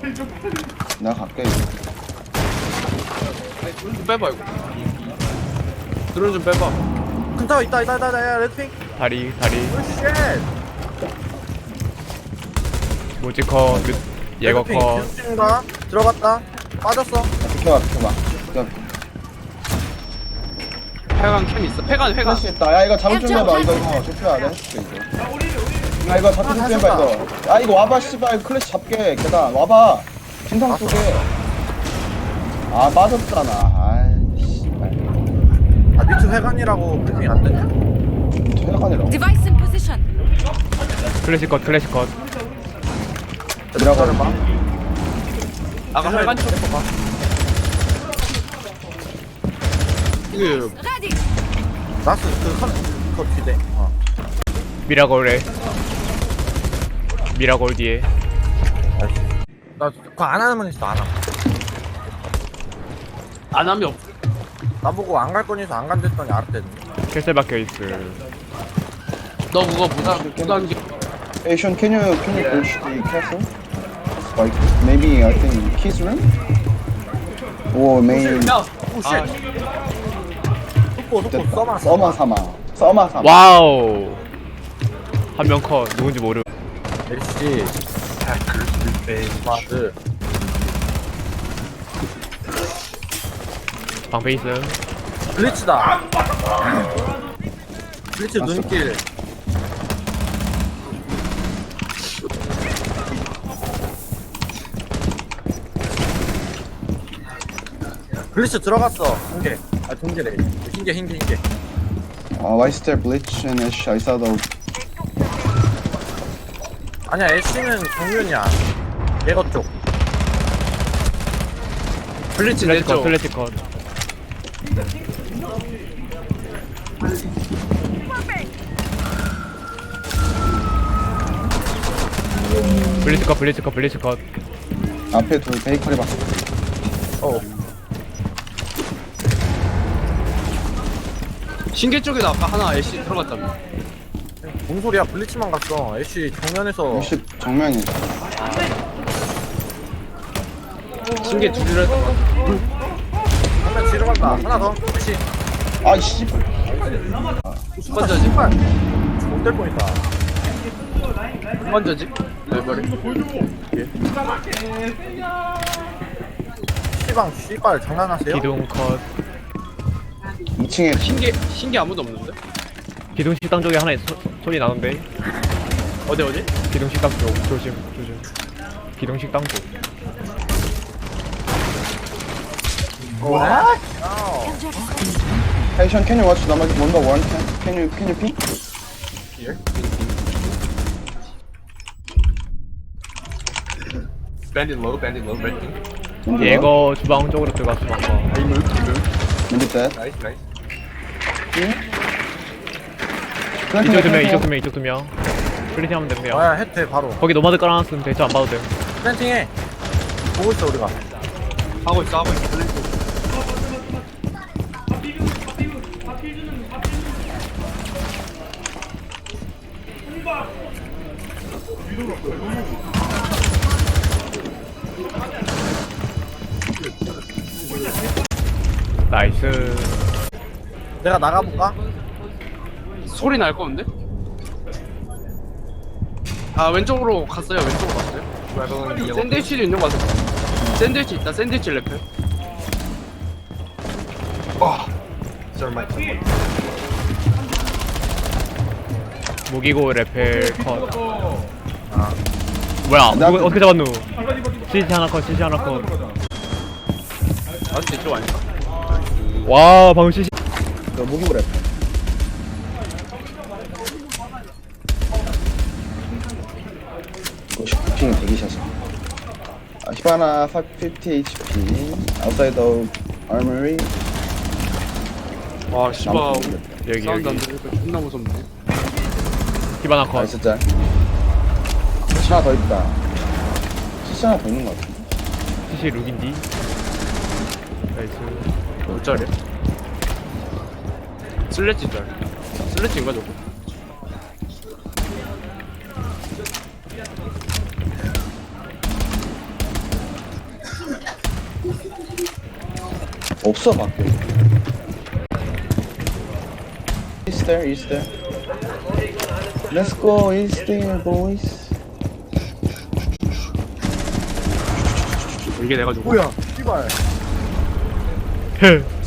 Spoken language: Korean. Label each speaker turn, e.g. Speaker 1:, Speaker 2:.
Speaker 1: 내가 갈게.
Speaker 2: 아니 드론 좀 빼봐 이거. 드론 좀 빼봐.
Speaker 3: 큰 타워 있다 야 레드핑.
Speaker 4: 다리
Speaker 3: 오쉣.
Speaker 4: 모지컷 예거 컷.
Speaker 3: 가 들어갔다. 빠졌어.
Speaker 1: 비켜봐.
Speaker 2: 회관 캠 있어. 회관.
Speaker 1: 플래시 있다. 야 이거 잡을 준비해봐. 이거 좁혀야 돼. 야 이거 잡을 준비해봐 이거. 야 이거 와봐 씨발 클래시 잡게. 계단 와봐. 진상 속에. 아 빠졌잖아. 아이 씨발.
Speaker 3: 아 뮤트 회관이라고 브리핑 안 되냐?
Speaker 1: 퇴근이라고.
Speaker 5: Device in position.
Speaker 4: 클래식 컷
Speaker 1: 들어가는
Speaker 3: 봐.
Speaker 2: 아까 회관 쪽.
Speaker 3: 봐.
Speaker 2: 그
Speaker 5: Ready.
Speaker 3: 나스 그 뒤대.
Speaker 4: 미라골에 미라골 뒤에
Speaker 3: 나 그거 안 하면 있어 안 함.
Speaker 2: 안 하면 없.
Speaker 3: 나보고 안 갈 거니서 안 간댔더니 알았대는.
Speaker 4: 캐슬 박혀있어.
Speaker 2: 너 그거 무단기.
Speaker 1: Hey Sean, can you push the castle? Like maybe I think kiss room? Or maybe
Speaker 2: 야.
Speaker 3: 오쉣. 속보
Speaker 1: 써마 사마.
Speaker 4: 와우. 한 명 컷. 누군지 모르.
Speaker 3: LC 마드
Speaker 4: 방패 있음.
Speaker 3: 블리츠다. 블리츠 눈길. 블리츠 들어갔어. 동계래. 흰게.
Speaker 1: Why is there bleach and ash? I saw the
Speaker 3: 아니야 애쉬는 정면이야. 얘거 쪽.
Speaker 2: 블리츠 냈죠.
Speaker 4: 클래식 컷. 블리츠 컷.
Speaker 1: 앞에 둘 베이커리 박.
Speaker 2: 신계 쪽에도 아까 하나 애쉬 들어갔다며.
Speaker 3: 뭔 소리야? 블리츠만 갔어. 애쉬 정면에서
Speaker 1: 60 정면이다.
Speaker 2: 신계 둘이라 했던 거.
Speaker 3: 정면 뒤로 간다. 하나 더. 애쉬.
Speaker 1: 아 씨.
Speaker 2: 번째지?
Speaker 3: 못될 뻔했다.
Speaker 2: 번째지? 네 머리.
Speaker 3: 시방 씨발 장난하세요?
Speaker 4: 기둥 컷.
Speaker 1: 2층에
Speaker 2: 신계 아무도 없는데?
Speaker 4: 기둥 식당 쪽에 하나 소리 나는데.
Speaker 2: 어디?
Speaker 4: 기둥 식당 쪽 조심. 기둥 식당 쪽.
Speaker 3: What?
Speaker 1: Hey Sean, can you watch number 1 Can you peek?
Speaker 2: Here. Bandit low, red team.
Speaker 4: 예거 주방 쪽으로 들어갔어 방금.
Speaker 2: I move.
Speaker 1: Maybe that.
Speaker 2: Nice.
Speaker 4: 이쪽 두 명. 플리팅 하면 됩니다.
Speaker 3: 야 해태 바로.
Speaker 4: 거기 노마드 깔아놨으면 대처 안 봐도 돼.
Speaker 3: 플랜팅해. 보고 있어 우리가.
Speaker 2: 하고 있어.
Speaker 4: 나이스.
Speaker 3: 내가 나가볼까?
Speaker 2: 소리 날 건데? 아 왼쪽으로 갔어요. 샌드위치도 있는 거 같아. 샌드위치 있다. 샌드위치 레펠.
Speaker 4: 무기고 레펠 컷. 뭐야? 어떻게 잡았누? CC 하나 컷.
Speaker 2: 맞지? 이쪽 아닌가?
Speaker 4: 와 방금 CC.
Speaker 1: 너 무기고 랩. 이거 슈핑 대기샷이야. 히바나 550 HP. Outside the armory.
Speaker 2: 와 씨발.
Speaker 4: 여기
Speaker 2: 사운드 안 들으니까 존나 무섭네.
Speaker 4: 히바나 컷.
Speaker 1: 나이스 짤. CC 하나 더 있다. CC 하나 더 있는 거 같은데.
Speaker 4: CC 룩인디. 나이스.
Speaker 2: 몇 짜리야? 슬래치 짤. 슬래치인가 저거?
Speaker 1: 없어 밖에. East there, east there. Let's go east there, boys.
Speaker 2: 이게 내가 주고
Speaker 3: 뭐야 씨발
Speaker 4: 헤